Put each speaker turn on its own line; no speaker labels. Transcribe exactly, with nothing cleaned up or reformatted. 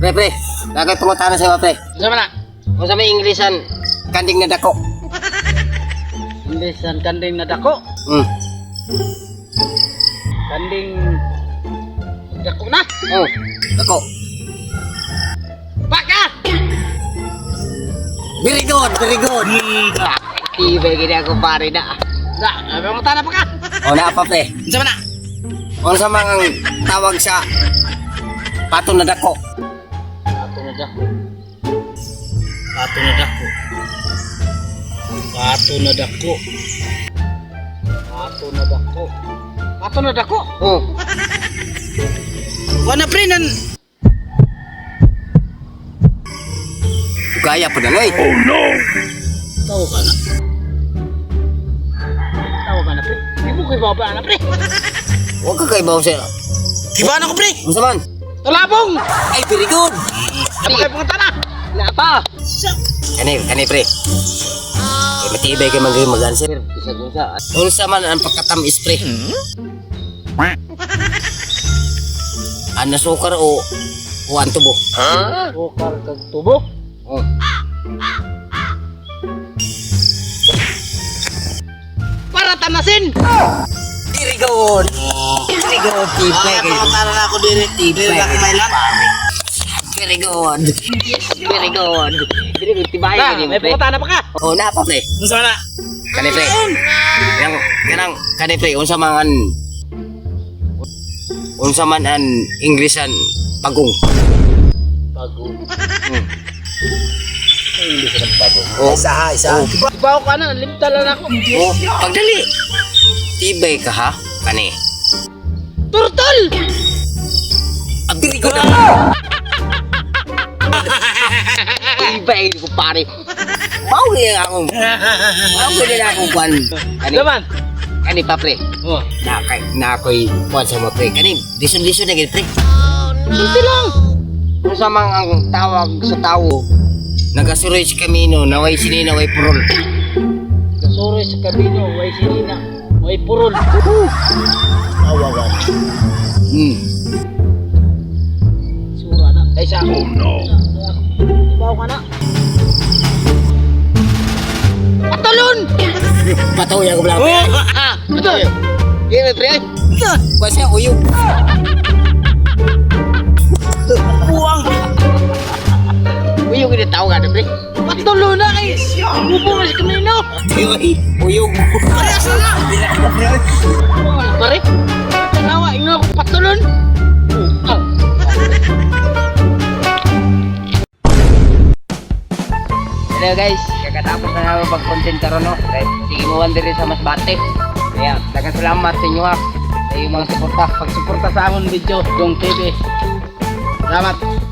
Pre, pre. Lagay pangutana sa pre.
Sama na.
Kung sa may Inglesan, kanding na dako.
Inglesan kanding na dako.
Hmm.
Kanding dako na.
Oh, dako.
Baka.
Very good, very good.
Iba gini ako pare na. Na, ano mo tana pa ka?
O na pa pre.
Sama na.
Kung sa mga tawag sa pato na dako.
Pato na dako. Pato na dako. Pato na dako. Pato na dako. Pato na dako.
Oh.
Wala pre nan.
Gaya pa na ngay.
Oh no!
Tawo ka na. Tawo ka na pre. Di mo kayo baba na pre.
Huwag ka kaibaw siya.
Kiba na ko pre.
Kung sa man.
Talabong.
Ay, very good.
Ano kayo punta na?
Na pa. Kani, kani pre. Kaya matibay kayo mag- mag-answer. Isa kung sa. Kung sa man ang pagkatamis pre. Ano sukar o o ang tubo?
Sukar kag tubo.
Oh.
Para tamasin.
Very good. Very good. Tibay kayo.
Para na ako dire.
Tibay
Dire
kayo.
may lang.
Very good. Very good. Very good. Tibay
Na,
kayo
may
pre.
pumunta na pa ka.
Oh, na pa pre.
Unsa na?
Kani pre. Yang kanang kani pre unsa man an unsa man an Inglesan pagong.
Pagong.
Hmm.
Hindi ka pagong.
Oh, isa ha, isa. Oh,
Ibaw ka na, limtalan ako.
oh, pagdali. Tibay ka ha, kani.
Turtol!
Ang very good. Tibay ko pare. Mau ni ako. Mau ni ako kwan. Kani.
Laman.
Kani pa pre.
Oh.
Na kay na koy kwan sa mo pre. Kani lison-lison na gid pre.
Simple lang.
Kung sa mga ang tawag sa tao, nagasuroy sa kamino, naway sinina, way purol.
Kasuroy sa kabino, way sinina, way purol. Awawan.
Hmm.
Sura na. Ay sa
Oh no!
Ibaw ka na. Patalon!
Patuloy ako lang.
Oh! Betul.
Gini pre. Kwan siya uyog.
Buang.
Uyog ini tao ka na pre.
Patalon na kay. Bubo ka sa kamino.
Uy, uyog.
Pare. Tanawa, ingo ako patalon. Oh.
Hello guys, kakatapos na namin pag-content karon no. Right? Sige mo wonder sa mas bate. Kaya, dagang salamat sa inyo ha. Sa iyong mga suporta.
Pagsuporta sa amon video, Dong T V. Salamat.